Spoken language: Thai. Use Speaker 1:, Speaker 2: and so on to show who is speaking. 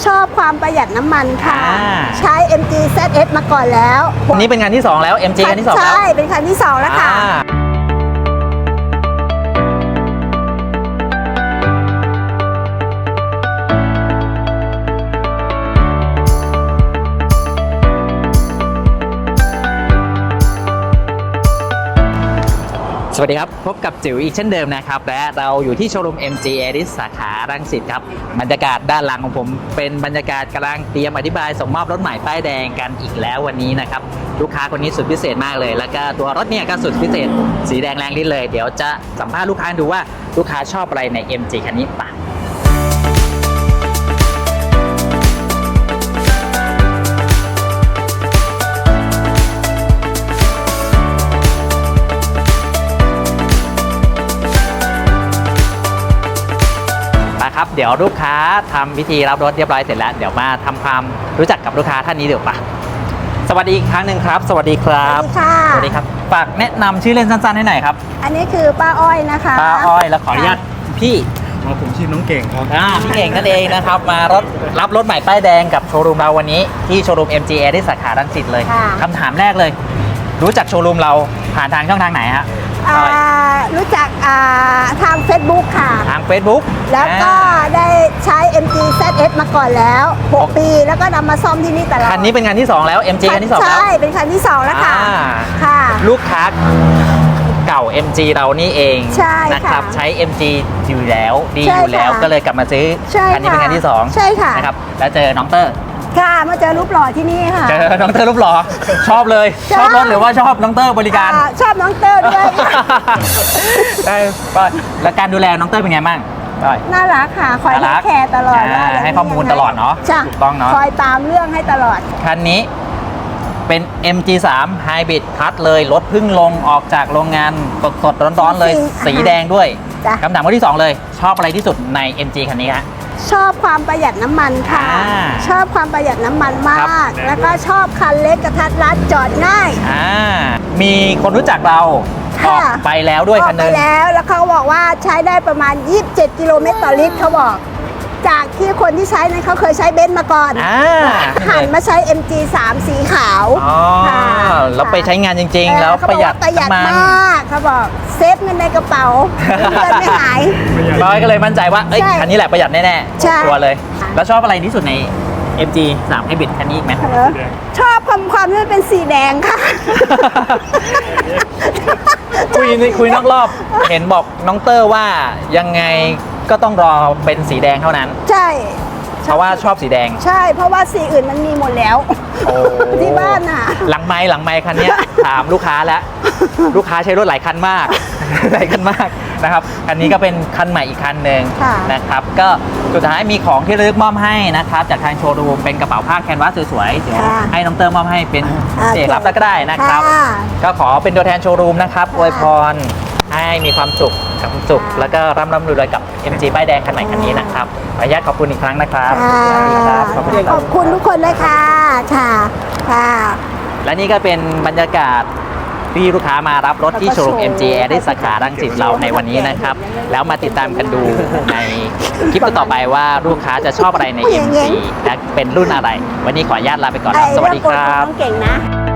Speaker 1: ชอบความประหยัดน้ำมันค่ะใช้ MG ZS มาก่อนแล้ว
Speaker 2: นี่เป็นงานที่2แล้ว MG งานที่2แล้ว
Speaker 1: ใช่เป็นคันที่2แล้วค่ะ
Speaker 2: สวัสดีครับพบกับจิ๋วอีกเช่นเดิมนะครับและเราอยู่ที่โชว์รูม MG Aris สาขารังสิตครับบรรยากาศด้านหลังของผมเป็นบรรยากาศกำลังเตรียมอธิบายส่งมอบรถใหม่ป้ายแดงกันอีกแล้ววันนี้นะครับลูกค้าคนนี้สุดพิเศษมากเลยแล้วก็ตัวรถเนี่ยก็สุดพิเศษสีแดงแรงลิ้นเลยเดี๋ยวจะสัมภาษณ์ลูกค้าดูว่าลูกค้าชอบอะไรใน MG คันนี้ป่ะครับเดี๋ยวลูกค้าทำพิธีรับรถเรียบร้อยเสร็จแล้วเดี๋ยวมาทำความรู้จักกับลูกค้าท่านนี้เดี๋ยวป่ะสวัสดีอีกครั้งหนึ่งครับสวัสดีครับสวัสดีครับฝากแนะนำชื่อเล่นสั้นๆให้หน่อยครับ
Speaker 1: อันนี้คือป้าอ้อยนะคะ
Speaker 2: ป้าอ้อยแล้วขออนุญาตพี่
Speaker 3: ผมชื่อน้องเก่งครับ
Speaker 2: พี่เก่งนั่นเองนะครับมารับรถใหม่ป้ายแดงกับโชว์รูมเราวันนี้ที่โชว์รูม MG Aris ที่สาขารังสิตเลยคำถามแรกเลยรู้จักโชว์รูมเราผ่านทางช่องทางไหนฮะ
Speaker 1: รู้จักทาง Facebook ค่ะ
Speaker 2: ทาง Facebook
Speaker 1: แล้วก็ได้ใช้ MG ZS มาก่อนแล้ว6 ปีแล้วก็นำมาซ่อมที่นี่ตลอด
Speaker 2: คันนี้เป็นงานที่2แล้ว MG คันที่2แล้ว
Speaker 1: ใช่เป็นคันที่2แล้วค่ะ
Speaker 2: ลูกค้าเก่า MG เรานี่เองนะครับใช้ MG อยู่แล้วดีอยู่แล้วก็เลยกลับมาซื้อคันนี้เป็นคันที่2
Speaker 1: ใช่ค่ะ
Speaker 2: นะครับแล้วเจอน้องเตอร์
Speaker 1: ค่ะมาเจอรูปหล่อที่นี่ค่ะ
Speaker 2: เจอน้องเตอร์รูปหล่อชอบเลยชอบรถหรือว่าชอบน้องเตอร์บริการ
Speaker 1: ชอบน้องเตอร์ด้วย
Speaker 2: ได้แล้วการดูแลน้องเตอร์เป็นไงบ้าง
Speaker 1: น่ารักค่ะคอยให้แคร์ตลอด
Speaker 2: ให้ข้อมูลตลอดเนาะถูกต้องเนาะ
Speaker 1: คอยตามเรื่องให้ตลอด
Speaker 2: คันนี้เป็น MG3 Hybrid Plus เลยรถเพิ่งลงออกจากโรงงานสดๆร้อนๆเลยสีแดงด้วยคำถามข้อที่2เลยชอบอะไรที่สุดใน MG คันนี้ฮะ
Speaker 1: ชอบความประหยัดน้ำมันค่ะชอบความประหยัดน้ำมันมากแล้วก็ชอบคันเล็กกระทัดรัดจอดง่าย
Speaker 2: มีคนรู้จักเราออกไปแล้วด้วยคันนึง
Speaker 1: ไปแล้วเขาบอกว่าใช้ได้ประมาณ27 กิโลเมตรต่อลิตรเขาบอกจากที่คนที่ใช้นั้นเขาเคยใช้เบนซ์มาก่อนหันมาใช้ MG3 สีขาว
Speaker 2: แล้วไปใช้งานจริงๆแล้วประหยัด
Speaker 1: มากเขาบอกเซฟเงินในกระเป๋าเงินไม่หาย
Speaker 2: ร้อยก็เลยมั่นใจว่าคันนี้แหละประหยัดแน่ๆตัวเลยแล้วชอบอะไรที่สุดใน MG3 Hybrid คันนี้อีกไหม
Speaker 1: ชอบความที่เป็นสีแดงค่ะ
Speaker 2: คุยนอกรอบเห็นบอกน้องเตอร์ว่ายังไงก็ต้องรอเป็นสีแดงเท่านั้น
Speaker 1: ใช่
Speaker 2: เพราะว่าชอบสีแดง
Speaker 1: ใช่เพราะว่าสีอื่นมันมีหมดแล้วที่บ้านน่ะ
Speaker 2: หลังไมค์คันนี้ถามลูกค้าแล้วลูกค้าใช้รถหลายคันมากนะครับคันนี้ก็เป็นคันใหม่อีกคันหนึ่งนะครับก็สุดท้ายมีของที่ระลึกมอบให้นะครับจากทางโชว์รูมเป็นกระเป๋าผ้าแคนวาสสวยๆเดี๋ยวให้น้องเตอร์มอบให้เป็นเอกลักษณ์ก็ได้นะครับก็ขอเป็นตัวแทนโชว์รูมนะครับอวยพรให้มีความสุขแล้วก็ร่ำรวยกับ MG ป้ายแดงคันใหม่คันนี้นะครับขออนุญาตขอบคุณอีกครั้งนะครับ
Speaker 1: ขอบคุณทุกคนเลยค่ะ
Speaker 2: และนี่ก็เป็นบรรยากาศที่ลูกค้ามารับรถที่โชว์รูม MG Aris สาขารังสิตเราในวันนี้นะครับแล้วมาติดตามกันดูในคลิปต่อไปว่าลูกค้าจะชอบอะไรใน MG และเป็นรุ่นอะไรวันนี้ขออนุญาตลาไปก่อนสวัสดีครับ